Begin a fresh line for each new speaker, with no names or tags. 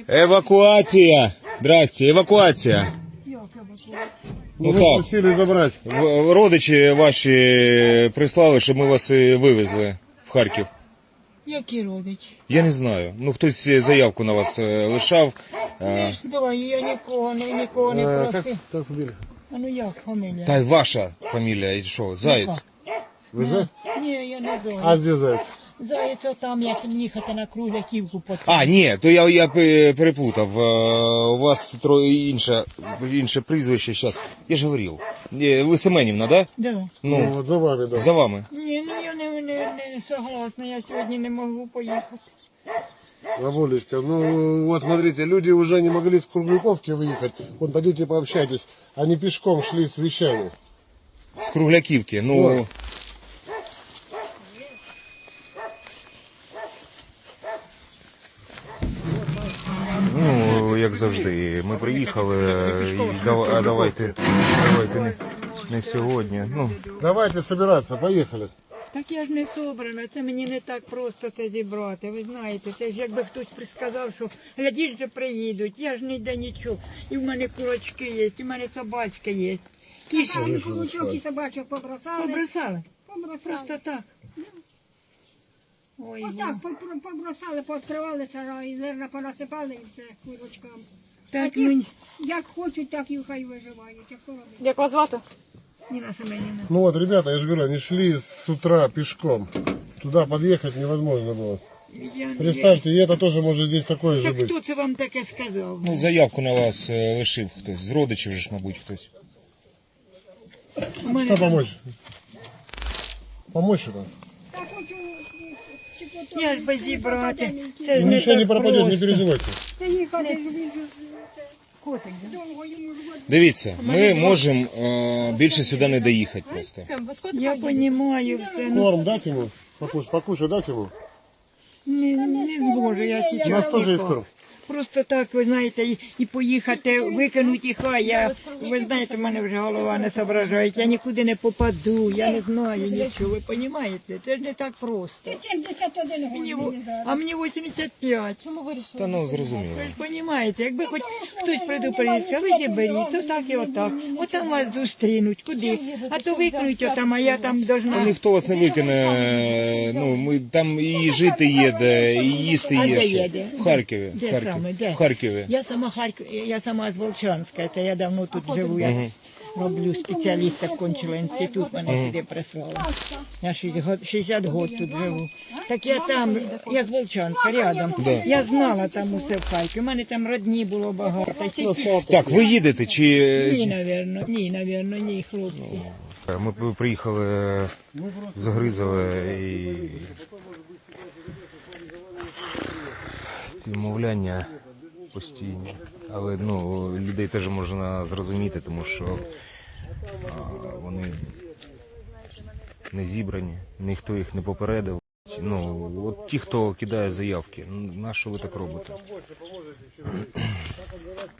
Евакуація! Здрасте, евакуація.
Ну так, просили забрати.
Родичі ваші прислали, щоб ми вас вивезли в Харків.
Які родичі?
Я не знаю. Ну, хтось заявку на вас лишав.
Давай, я нікого не просив.
Как фамилия?
А ну як фамілія?
Та й ваша фамілія, і що, Заєць?
Вы Заяц?
Ні, я не Заяць.
А где Заяц?
Заяць отам, як їхати на Кругляківку потім.
А, ні, то я переплутав. У вас інше прізвище зараз. Я ж говорив. Ви Семенівна, да?
Да.
Ну, вот за вами, да.
За вами.
Ні, ну я не согласна, я сьогодні не можу поїхати.
Бабулечка, ну вот смотрите, люди уже не могли с Кругляковки выехать. Вот пойдите пообщайтесь. Они пешком шли с вещами.
З Кругляківки. Ну, ну, як завжди, ми приїхали, давайте не сьогодні. Ну,
Давайте собираться, поехали.
Так я ж не собрана, це мені не так просто це зібрати. Ви знаєте, це ж якби хтось присказав, що глядіть же приїдуть, я ж ніде нічого. І в мене курочки є, і в мене собачка є. Кішки
Кулачок і собачок побросали.
побросали.
Побросали.
Просто так. Ой,
Отак побросали, пооткривали сараї, зерна понасипали і все курочкам.
так
ті,
мені.
Як хочуть, так і хай виживають. А що робити?
Як вас звати?
Ніна Семенівна.
Ну вот, ребята, я же говорю, они шли с утра пешком. Туда подъехать невозможно было. Представьте, и это тоже может здесь такое же
Так
быть.
хто це вам таке сказав?
ну, заявку на вас лишив хтось. З родичів же ж, мабуть, хтось.
У мене
Что помочь? Помочь это?
Та хочу,
я ж без зібрати. Це ж не
Ничего не
так
пропадет, не
просто.
переживайте.
Це їхати ж він
Котик, да?
довго йому ж
Дивіться, ми можемо більше сюди не доїхати просто.
Я розумію все, ну
Корм дать ему? Покушать дать ему?
не зможу я
У нас
зараз.
тоже есть корм.
Просто так, ви знаєте, і поїхати, викинути і хай. Ви знаєте, в мене вже голова не соображає. Я нікуди не попаду, я не знаю нічого, ви розумієте? Це ж не так просто.
71
Мені,
год мені зараз.
а мені 85.
Та ну, зрозуміло.
Ви ж розумієте, якби хоч хтось предупредив, сказав, ви зіберіть, то так і отак. Отам вас зустрінуть, куди? А то викинуть отам, а я там
Та
должна.
ніхто вас не викине. Ну, ми там і жити є де, і їсти
А
є
де
ще.
є, де?
В Харкові.
Де
В Харкові.
саме, де?
В Харкові.
Я сама з Волчанська, це я давно тут живу. Я роблю спеціаліста, кончила інститут, мене сюди прислали. Я 60 років тут живу. Так я там, я з Волчанська, рядом.
Да.
Я знала там усе в Харкові. У мене там родні було багато.
Так, ви їдете чи...
Ні, навірно, ні, хлопці.
Ми приїхали з Гризове і ці вмовляння постійні. Але ну, людей теж можна зрозуміти, тому що вони не зібрані, ніхто їх не попередив. Ну, от ті, хто кидає заявки, на що ви так робите?